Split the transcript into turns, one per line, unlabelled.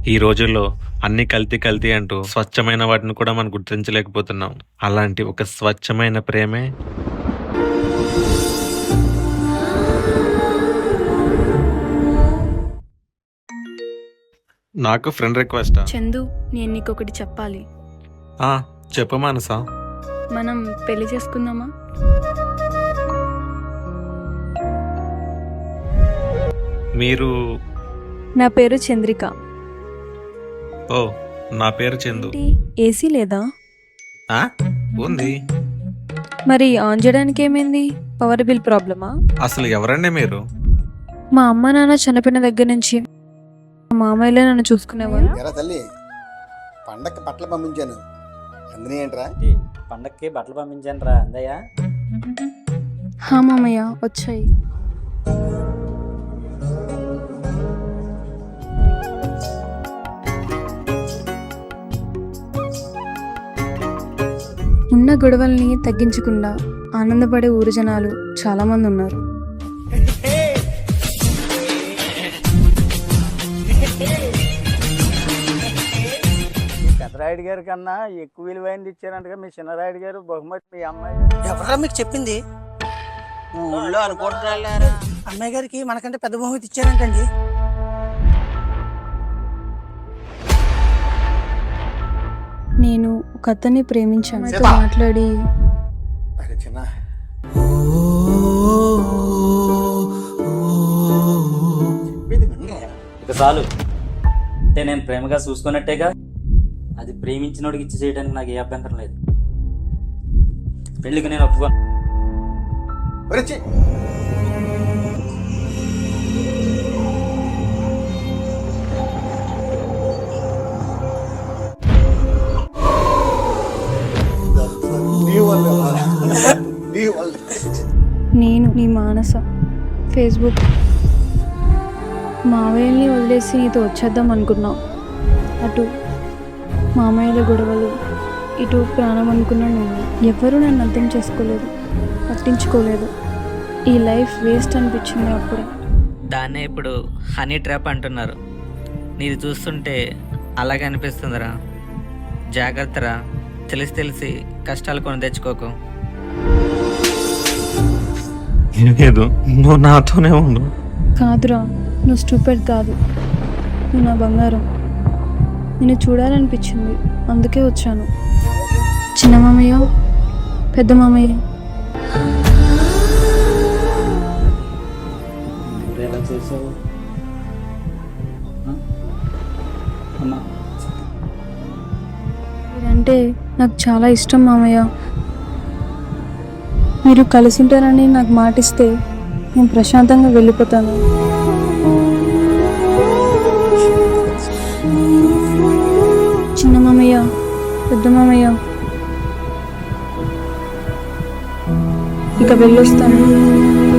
ఈ రోజుల్లో అన్ని కల్తీ కల్తీ అంటూ స్వచ్ఛమైన వాటిని కూడా మనం గుర్తించలేకపోతున్నాం. అలాంటి ఒక స్వచ్ఛమైన ప్రేమే నాకు ఫ్రెండ్ రిక్వెస్టా?
చందు, నేను నీకొకటి చెప్పాలి.
ఆ, చెప్పు మానసా.
మనం పెళ్లి చేసుకుందామా?
మీరు?
నా పేరు చంద్రిక.
ఓ, నా పేరు చందు.
ఏసీ లేదా?
ఆ, ఉంది.
మరి ఆన్ చేయడానికి ఏమైంది? పవర్ బిల్ ప్రాబ్లమా?
అసలు ఎవరండి మీరు?
మా అమ్మ నాన్న చనిపోయిన దగ్గర నుంచి మా మామయ్యలే నన్ను చూసుకునేవారు.
ఎరా తల్లి, పండక్కి బట్టలు పంపించాను, అందిని ఏంట్రా?
పండక్కి బట్టలు పంపించాను రా అందయ్య.
హా మామయ్య, వచ్చాయి. ఉన్న గొడవల్ని తగ్గించకుండా ఆనందపడే ఊరు జనాలు చాలా మంది ఉన్నారు.
పెద్దరాయుడు గారి కన్నా ఎక్కువ విలువైనది ఇచ్చారంటగా మీ చిన్నరాయుడు గారు బహుమతి మీ అమ్మాయి.
ఎవరా మీకు చెప్పింది? ఊళ్ళో అనుకుంటున్నారు అమ్మాయి గారికి మనకంటే పెద్ద బహుమతి ఇచ్చారంటండి.
నేను ఒక అతన్ని ప్రేమించాను.
సీత.
మాట్లాడి
అరే చిన్న, చెప్పేది వినరా?
ఇక చాలు. అంటే నేను ప్రేమగా చూసుకున్నట్టేగా. అది ప్రేమించినోడికి ఇచ్చి చేయడానికి నాకు ఏ అభ్యంతరం లేదు. పెళ్లికి నేను ఒప్పుకోను.
ఒరే ఛీ! నీ వల్లే. నీ వల్లే.
నేను నీ మానస. ఫేస్బుక్. మావయ్యల్ని వదిలేసి నీతో వచ్చేద్దాం అనుకున్నాం. అటు మామయ్యల గొడవలు, ఇటు ప్రాణం అనుకున్నాను నేను. ఎవ్వరూ నన్ను అర్థం చేసుకోలేదు, పట్టించుకోలేదు. ఈ లైఫ్ వేస్ట్ అనిపించింది అప్పుడే.
దాన్నే ఇప్పుడు హనీ ట్రాప్ అంటున్నారు. నీది చూస్తుంటే అలాగే అనిపిస్తుందిరా. జాగ్రత్తరా, తెలిసి తెలిసి కష్టాలు కొని తెచ్చుకోకు.
లేదు, నువ్వు నాతోనే ఉండు.
కాదురా, నువ్వు స్టూపిడ్ కాదు, నువ్వు నా బంగారం. నిన్ను చూడాలనిపించింది, అందుకే వచ్చాను. చిన్న మామయ్య, పెద్ద మామయ్య.
ఎలా చేసావు అమ్మా?
మీరంటే నాకు చాలా ఇష్టం మామయ్య. మీరు కలిసి ఉంటారని నాకు మాటిస్తే నేను ప్రశాంతంగా వెళ్ళిపోతాను. చిన్న మామయ్య, పెద్ద మామయ్య, ఇక వెళ్ళొస్తాను.